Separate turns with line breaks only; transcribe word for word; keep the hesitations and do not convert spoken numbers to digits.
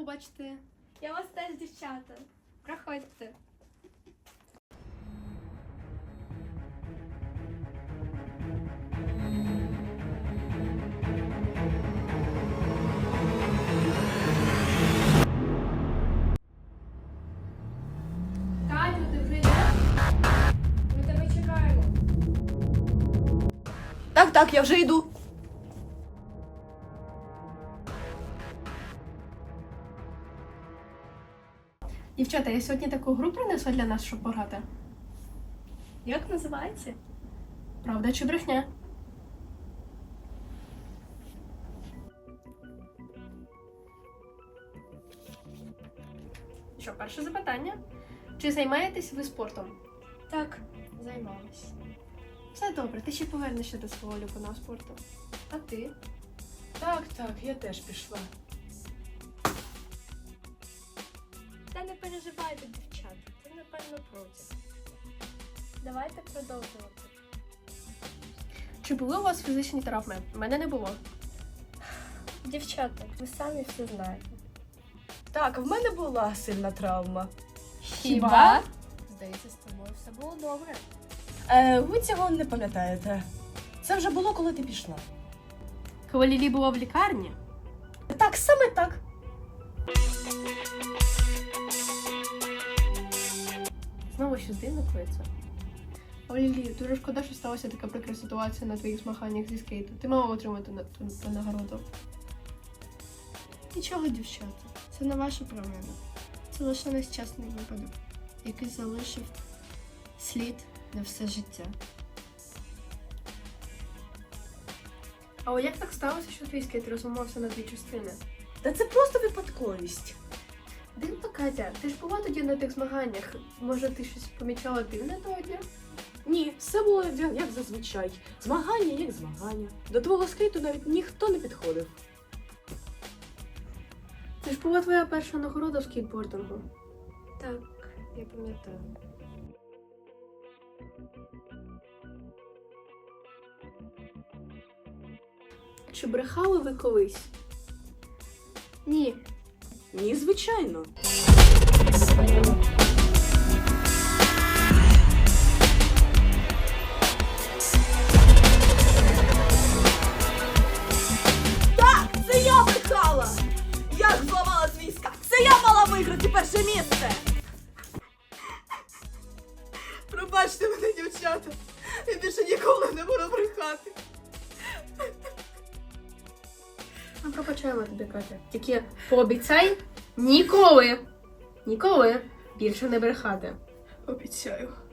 бачити.
Я вас теж, дівчата. Проходьте.
Катю, ти вже йдеш? Ми тебе чекаємо.
Так, так, я вже йду.
Дівчата, я сьогодні таку гру принесла для нас, щоб пограти.
Як називається?
Правда чи брехня? Що, перше запитання. Чи займаєтесь ви спортом?
Так, займалась.
Все добре, ти ще повернешся до свого улюбленого спорту. А ти?
Так, так, я теж пішла.
Та не переживайте, дівчата. Це, напевно, проти. Давайте продовжувати.
Чи були у вас фізичні травми? У мене не було.
Дівчата, ви самі все знаєте.
Так, в мене була сильна травма.
Хіба? Здається, з тобою все було добре.
Е, ви цього не пам'ятаєте. Це вже було, коли ти пішла.
Коли Лілі була в лікарні?
Так, саме так.
Знову щось дивно коїться. О, Лілі, дуже шкода, що сталася така прикра ситуація на твоїх змаганнях зі скейту. Ти мала отримати на ту, ту нагороду.
Нічого, дівчата, це не ваша провина. Це лише нещасний випадок, який залишив слід на все життя.
А як так сталося, що твій скейт розламався на дві частини?
Та це просто випадковість.
Дивно, Катя, ти ж була тоді на тих змаганнях. Може, ти щось помічала дивне того дня?
Ні, все було як зазвичай. Змагання як змагання. До твого скейту навіть ніхто не підходив.
Це ж була твоя перша нагорода в скейтбордингу.
Так, я пам'ятаю.
Чи брехали ви колись?
Ні,
Ні, звичайно. Так, це я брехала! Як зламала свій скак? Це я мала виграти перше місце! Пробачте мене, дівчата. Я більше ніколи не буду брехати.
Ми пробачаємо тобі, Катя. Тільки пообіцяй ніколи, ніколи більше не брехати.
Обіцяю.